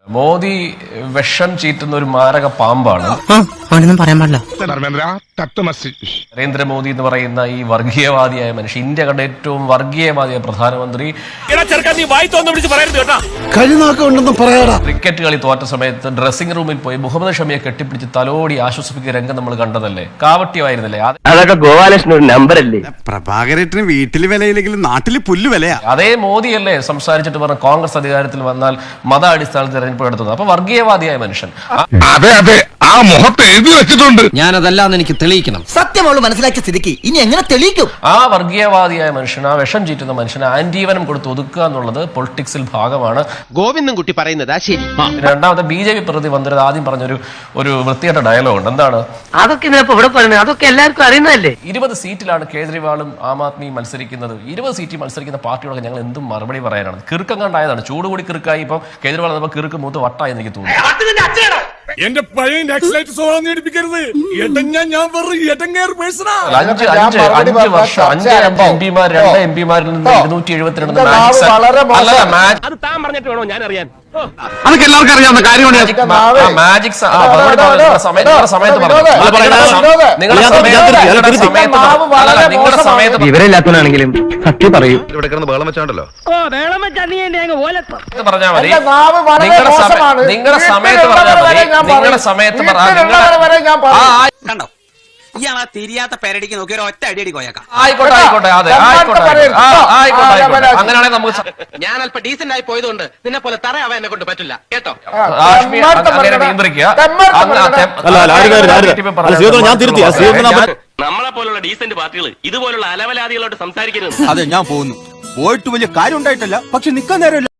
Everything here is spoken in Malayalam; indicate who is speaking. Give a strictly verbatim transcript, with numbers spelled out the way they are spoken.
Speaker 1: മോദി വിഷം ചീറ്റുന്ന ഒരു മാരക പാമ്പാണ്.
Speaker 2: പറയാൻ പാടില്ല.
Speaker 1: നരേന്ദ്രമോദി എന്ന് പറയുന്ന ഈ വർഗീയവാദിയായ മനുഷ്യൻ, ഇന്ത്യ കണ്ട ഏറ്റവും വർഗീയവാദിയായ പ്രധാനമന്ത്രി, ക്രിക്കറ്റ് കളി തോറ്റ സമയത്ത് ഡ്രസ്സിംഗ് റൂമിൽ പോയി മുഹമ്മദ് ഷമിയെ കെട്ടിപ്പിടിച്ച് തലോടി ആശ്വസിപ്പിക്കുന്ന രംഗം നമ്മൾ കണ്ടതല്ലേ? കാവട്യമായിരുന്നില്ലേ?
Speaker 3: അതൊക്കെ ഗോപാലകൃഷ്ണൻ ഒരു നമ്പർ അല്ലേ?
Speaker 4: പ്രഭാകരേട്ടന് വീട്ടിൽ വിലയില്ലെങ്കിലും നാട്ടിൽ പുല്ല് വിലയാ.
Speaker 1: അതേ മോദിയല്ലേ സംസാരിച്ചിട്ട് പറഞ്ഞ കോൺഗ്രസ് അധികാരത്തിൽ വന്നാൽ മത അടിസ്ഥാനത്തിൽ തെരഞ്ഞെടുപ്പ് നടത്തുന്നത്? അപ്പൊ വർഗീയവാദിയായ മനുഷ്യൻ.
Speaker 5: അതെ അതെ, ആ മുഖത്ത് എഴുതി വെച്ചിട്ടുണ്ട്.
Speaker 2: ഞാനതല്ലാന്ന് എനിക്ക് തെളിയിക്കണം. സത്യമുള്ള മനസ്സിലാക്കിയ സ്ഥിതിക്ക് ഇനി എങ്ങനെ തെളിയിക്കും?
Speaker 1: ആ വർഗീയവാദിയായ മനുഷ്യൻ, ആ വിഷം ചീറ്റുന്ന മനുഷ്യന് ആന്റീവനം കൊടുത്ത് ഒതുക്കുക എന്നുള്ളത് പൊളിറ്റിക്സിൽ ഭാഗമാണ്.
Speaker 3: ഗോവിന്ദൻകുട്ടി പറയുന്നതാ ശരി.
Speaker 1: രണ്ടാമത്തെ ബി ജെ പി പ്രതി വന്നിരുന്നത് ആദ്യം പറഞ്ഞൊരു ഒരു വൃത്തിയായിട്ട ഡയലോഗ് ഉണ്ട്. എന്താണ്
Speaker 3: അതൊക്കെ ഇവിടെ പറയുന്നത്? അതൊക്കെ എല്ലാവർക്കും അറിയുന്നതല്ലേ.
Speaker 1: ഇരുപത് സീറ്റിലാണ് കേജ്രിവാളും ആം ആദ്മിയും മത്സരിക്കുന്നത്. ഇരുപത് സീറ്റിൽ മത്സരിക്കുന്ന പാർട്ടികളൊക്കെ ഞങ്ങൾ എന്തും മറുപടി പറയാനാണ്? കിറുക്കം കണ്ടായതാണ്. ചൂട് കൂടി കിറുക്കായി. ഇപ്പം കേജ്രിവാൾ നമ്മൾ കിറുക്ക് മൂത്ത് വട്ടായി എനിക്ക് തോന്നുന്നു.
Speaker 5: എന്റെ പഴയ
Speaker 1: അഞ്ച് അഞ്ച് അഞ്ച് വർഷം അഞ്ച് എം പിമാർ രണ്ട് എം പിമാരിൽ നിന്ന് ഇരുന്നൂറ്റി എഴുപത്തിരണ്ട്
Speaker 3: അത് താൻ പറഞ്ഞിട്ട് വേണോ ഞാൻ അറിയാൻ?
Speaker 4: അതൊക്കെ എല്ലാവർക്കും അറിയാവുന്ന കാര്യമാണ്.
Speaker 1: മാജിക് സമയത്ത് നിങ്ങളുടെ സമയത്ത്
Speaker 3: വിവരമില്ലാത്തവനാണെങ്കിലും സത്യം പറയും.
Speaker 5: ഇവിടെ കിടന്ന് ബഹളം വെച്ചാണ്ടല്ലോ.
Speaker 1: പറഞ്ഞാൽ മതി. നിങ്ങളുടെ സമയത്ത് പറഞ്ഞാൽ മതി. നിങ്ങളുടെ സമയത്ത്
Speaker 2: കണ്ടോ, ഇയാളാ തിരിയാത്ത പേരടിക്ക് നോക്കി ഒരു ഒറ്റ അടിയടി കോയക്കാം.
Speaker 1: ആയിക്കോട്ടെ ആയിക്കോട്ടെ അതെ ആയിക്കോട്ടെ ആയിക്കോട്ടെ അങ്ങനെയാണെങ്കിൽ നമുക്ക്
Speaker 3: ഞാൻ അല്പം ഡീസന്റ് ആയി പോയതുകൊണ്ട് നിന്നെ പോലെ തറയാവാൻ എന്നെ കൊണ്ട് പറ്റില്ല കേട്ടോ.
Speaker 1: അങ്ങനെ നിയന്ത്രിക്കുക.
Speaker 3: നമ്മളെ പോലുള്ള ഡീസന്റ് പാർട്ടികൾ ഇതുപോലുള്ള അലവലാദികളോട് സംസാരിക്കരുത്.
Speaker 4: അതെ, ഞാൻ പോകുന്നു. പോയിട്ട് വലിയ കാര്യം ഉണ്ടായിട്ടല്ല, പക്ഷെ നിക്കാൻ നേരം